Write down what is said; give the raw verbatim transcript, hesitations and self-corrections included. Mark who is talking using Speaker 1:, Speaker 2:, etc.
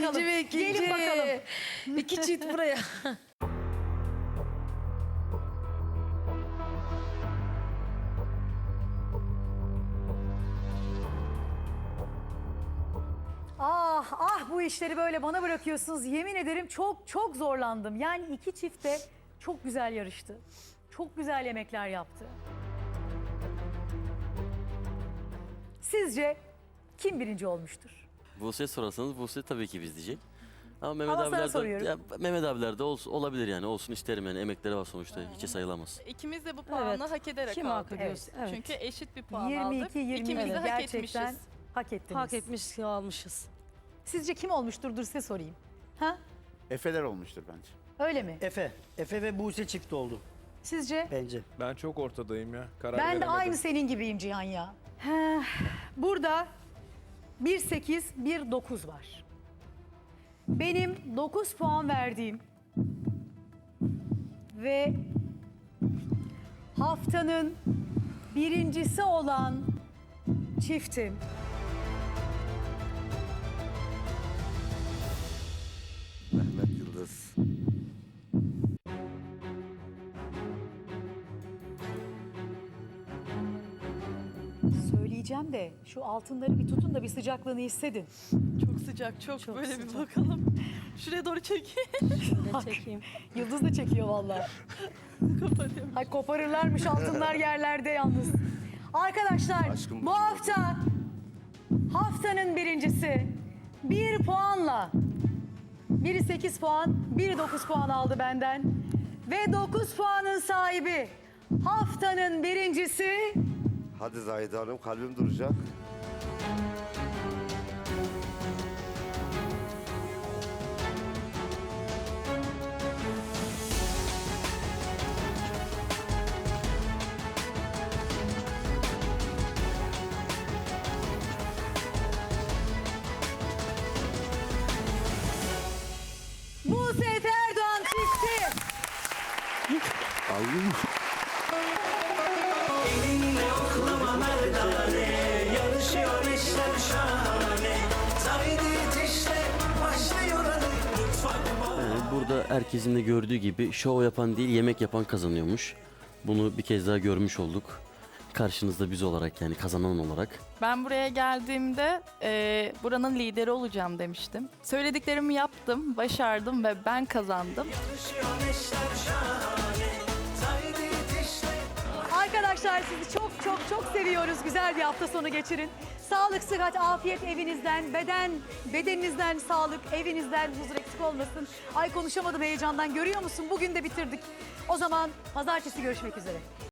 Speaker 1: bakalım.
Speaker 2: ve ikinci.
Speaker 1: Gelin bakalım.
Speaker 2: İki çift buraya.
Speaker 1: Ah ah bu işleri böyle bana bırakıyorsunuz. Yemin ederim çok çok zorlandım. Yani iki çift de çok güzel yarıştı. Çok güzel yemekler yaptı. Sizce kim birinci olmuştur?
Speaker 3: Buse sorarsanız Buse tabii ki biz diyecek. Ama Mehmet
Speaker 1: Ama sana
Speaker 3: abiler de,
Speaker 1: soruyorum.
Speaker 3: ya, Mehmet abiler de olsun, olabilir yani. Olsun isterim yani. Emekleri var sonuçta. Hiçe sayılamaz.
Speaker 4: İkimiz de bu puanı
Speaker 2: Evet.
Speaker 4: hak ederek
Speaker 2: Kim
Speaker 4: aldık.
Speaker 2: hak ediyorsa, evet.
Speaker 4: Çünkü eşit bir puan
Speaker 1: yirmi
Speaker 4: aldık.
Speaker 1: iki yirmi
Speaker 4: İkimiz de hak
Speaker 1: gerçekten
Speaker 4: etmişiz.
Speaker 1: hak ettiniz.
Speaker 2: Hak etmiş almışız.
Speaker 1: Sizce kim olmuştur? Dur size sorayım. Ha?
Speaker 5: Efeler olmuştur bence.
Speaker 1: Öyle mi?
Speaker 6: Efe. Efe ve Buse çift oldu
Speaker 1: Sizce?
Speaker 6: bence.
Speaker 7: Ben çok ortadayım ya. Karar
Speaker 1: Ben de
Speaker 7: veremedim.
Speaker 1: aynı senin gibiyim Cihan ya. Heh, burada bir sekiz, bir dokuz var. Benim dokuz puan verdiğim ve haftanın birincisi olan çiftim
Speaker 8: Mehmet Yıldız.
Speaker 1: söyleyeceğim de şu altınları bir tutun da bir sıcaklığını hissedin.
Speaker 4: Çok sıcak, çok,
Speaker 1: Çok
Speaker 4: böyle
Speaker 1: sıcak.
Speaker 4: bir bakalım. Şuraya doğru çekeyim.
Speaker 2: Ne çekeyim?
Speaker 1: Yıldız da çekiyor vallahi.
Speaker 4: Kapatıyorum.
Speaker 1: Ay koparırlarmış altınlar yerlerde yalnız. Arkadaşlar
Speaker 8: Aşkım
Speaker 1: bu hafta haftanın birincisi bir puanla biri sekiz puan, biri dokuz puan aldı benden. Ve dokuz puanın sahibi haftanın birincisi
Speaker 8: Hadi Zahide Hanım, kalbim duracak.
Speaker 1: Buse Erdoğan çifti.
Speaker 8: Aldın mı?
Speaker 9: Elinle oklama merdane, yarışıyor işler şahane. Zahide işte başlıyor hadi mutfak bana.
Speaker 3: Yani burada herkesin de gördüğü gibi şov yapan değil yemek yapan kazanıyormuş. Bunu bir kez daha görmüş olduk. Karşınızda biz olarak yani kazanan olarak.
Speaker 4: Ben buraya geldiğimde e, buranın lideri olacağım demiştim. Söylediklerimi yaptım, başardım ve ben kazandım.
Speaker 9: Yarışıyor işler şahane. Zahide işte
Speaker 1: Arkadaşlar sizi çok çok çok seviyoruz. Güzel bir hafta sonu geçirin. Sağlık, sıhhat, afiyet evinizden, beden bedeninizden sağlık, evinizden huzur eksik olmasın. Ay konuşamadım heyecandan, görüyor musun? Bugün de bitirdik. O zaman pazartesi görüşmek üzere.